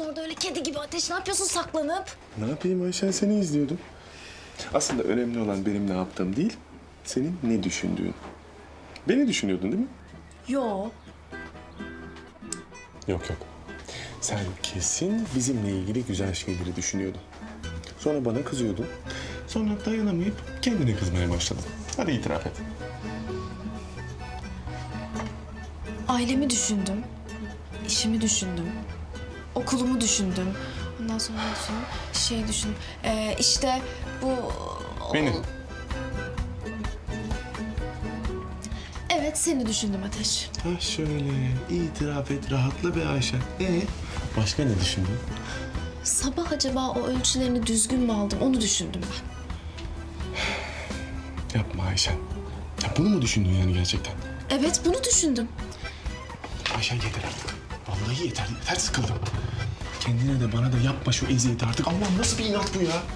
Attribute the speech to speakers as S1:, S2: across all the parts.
S1: yapıyorsun orada öyle kedi gibi Ateş? Ne yapıyorsun saklanıp?
S2: Ne yapayım Ayşen, seni izliyordum. Aslında önemli olan benim ne yaptığım değil, senin ne düşündüğün. Beni düşünüyordun değil mi?
S1: Yo.
S2: Yok. Sen kesin bizimle ilgili güzel şeyleri düşünüyordun. Sonra bana kızıyordun. Sonra dayanamayıp kendine kızmaya başladın. Hadi itiraf et.
S1: Ailemi düşündüm. İşimi düşündüm. Okulumu düşündüm. Ondan sonra ne düşündüm? Düşündüm. İşte bu...
S2: Beni.
S1: Evet, seni düşündüm Ateş.
S2: Ha şöyle, itiraf et, rahatla be Ayşen. Başka ne düşündün?
S1: Sabah acaba o ölçülerini düzgün mü aldım onu düşündüm ben.
S2: Yapma Ayşen. Ya bunu mu düşündün yani gerçekten?
S1: Evet, bunu düşündüm.
S2: Ayşen yeter artık. Vallahi yeter sıkıldım. Kendine de bana da yapma şu eziyeti artık. Allah'ım nasıl bir inat bu ya?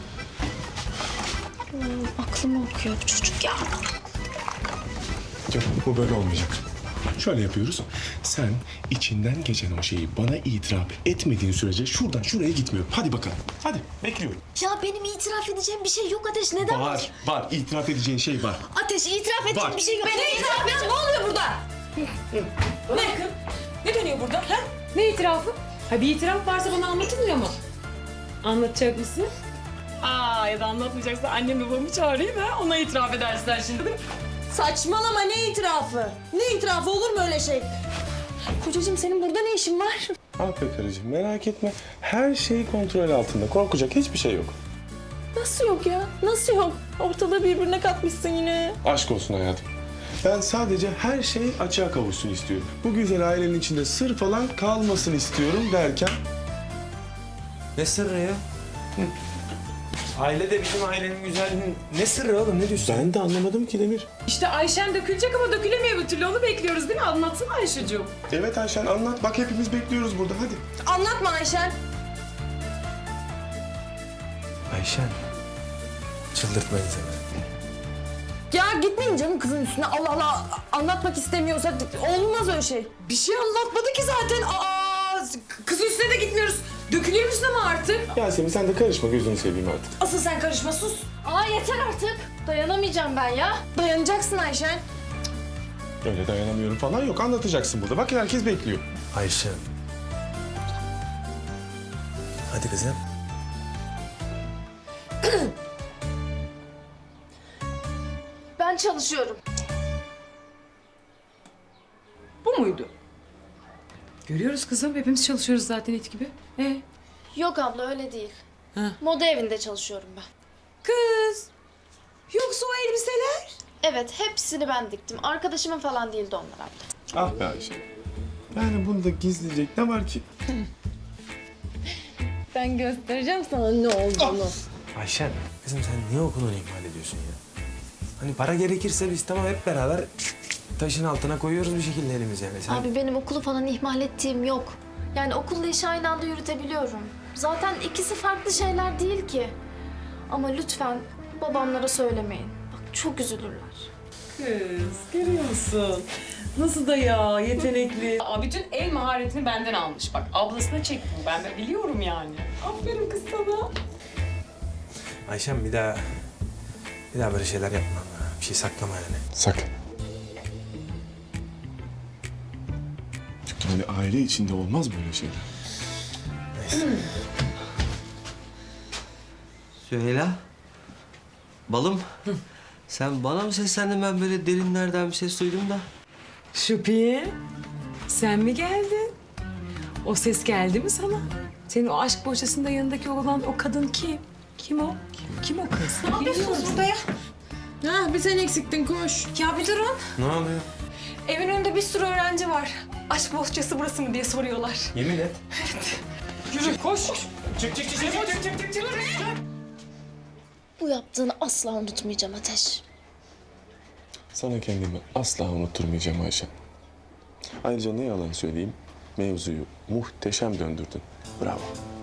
S1: Aklımı okuyor bu çocuk ya.
S2: Yok, bu böyle olmayacak. Şöyle yapıyoruz. Sen içinden geçen o şeyi bana itiraf etmediğin sürece şuradan şuraya gitmiyorum. Hadi bakalım. Hadi bekliyorum.
S1: Ya benim itiraf edeceğim bir şey yok Ateş. Neden?
S2: Var. İtiraf edeceğin şey var.
S1: Ateş, itiraf edeceğim
S2: Var.
S1: bir şey yok.
S3: Ne itiraf edeceğim? Ne oluyor burada? Ne? Ne dönüyor burada? Ha? Ne itirafı? Ha bir itiraf varsa bana anlatılmıyor mu? Anlatacak mısın? Ya da anlatmayacaksa annem babamı çağırayım ha. Ona itiraf edersin şimdi.
S4: Saçmalama, ne itirafı? Ne itirafı, olur mu öyle şey? Kocacığım senin burada ne işin var?
S2: Aferin karıcığım, merak etme. Her şey kontrol altında. Korkacak hiçbir şey yok.
S4: Nasıl yok ya? Nasıl yok? Ortalığı birbirine katmışsın yine.
S2: Aşk olsun hayatım. Ben sadece her şey açığa kavuşsun istiyorum. Bu güzel ailenin içinde sır falan kalmasın istiyorum derken...
S5: Ne sırrı ya? Aile de bizim ailenin güzelliğinin... Ne sırrı oğlum, ne diyorsun?
S2: Ben de anlamadım ki Demir.
S3: İşte Ayşen dökülecek ama dökülemiyor bir türlü. Onu bekliyoruz değil mi? Anlatsana Ayşe'cığım.
S2: Evet Ayşen anlat. Bak hepimiz bekliyoruz burada. Hadi.
S4: Anlatma Ayşen.
S5: Ayşen, çıldırtma insanı.
S4: Ya gitmeyin canım kızın üstüne. Allah Allah, anlatmak istemiyorsa olmaz öyle şey.
S3: Bir şey anlatmadı ki zaten. Kız üstüne de gitmiyoruz. Dökülüyor musun ama artık?
S2: Yasemin sen de karışma, gözünü seveyim artık.
S3: Asıl sen karışma, sus.
S1: Yeter artık. Dayanamayacağım ben ya.
S4: Dayanacaksın Ayşen.
S2: Öyle dayanamıyorum falan yok. Anlatacaksın burada. Bak herkes bekliyor.
S5: Ayşen. Hadi kızım.
S1: Ben çalışıyorum.
S3: Bu muydu? Görüyoruz kızım. Hepimiz çalışıyoruz zaten it gibi.
S1: Yok abla öyle değil.
S3: Ha.
S1: Moda evinde çalışıyorum ben.
S3: Kız. Yoksa o elbiseler?
S1: Evet, hepsini ben diktim. Arkadaşımın falan değildi onlar abla.
S2: Ah be Ayşen. Yani bunda gizleyecek ne var ki?
S4: Ben göstereceğim sana ne olduğunu.
S5: Ayşen, kızım sen niye okulunu ihmal ediyorsun ya? Hani para gerekirse biz tamam hep beraber taşın altına koyuyoruz bir şekilde elimizi yani. Sen...
S1: Abi benim okulu falan ihmal ettiğim yok. Yani okulla işi aynı anda yürütebiliyorum. Zaten ikisi farklı şeyler değil ki. Ama lütfen babamlara söylemeyin. Bak çok üzülürler.
S3: Kız, görüyor musun? Nasıl da ya, yetenekli. Bütün el maharetini benden almış. Bak, ablasına çektim. Ben de biliyorum yani. Aferin kız sana.
S5: Ayşen bir daha böyle şeyler yapma. Bir şey saklama yani.
S2: Sakın. Çünkü hani aile içinde olmaz böyle şeyler.
S5: Neyse.
S6: Süheyla, balım. Sen bana mı seslendin? Ben böyle derinlerden bir ses duydum da.
S3: Şüphi, sen mi geldin? O ses geldi mi sana? Senin o aşk bohçasında yanındaki olan o kadın kim? Kim o? Kim o kız? Ne yapıyorsunuz burada ya?
S4: Ha, bir sen eksiktin, koş.
S3: Ya bir durun.
S5: Ne oluyor?
S3: Evin önünde bir sürü öğrenci var. Aşk bohçası burası mı diye soruyorlar.
S5: Yemin et.
S3: Yürü, koş.
S5: Çık.
S1: Bu yaptığını asla unutmayacağım Ateş.
S2: Sana kendimi asla unutturmayacağım Ayşen. Ayrıca ne yalan söyleyeyim, mevzuyu muhteşem döndürdün. Bravo.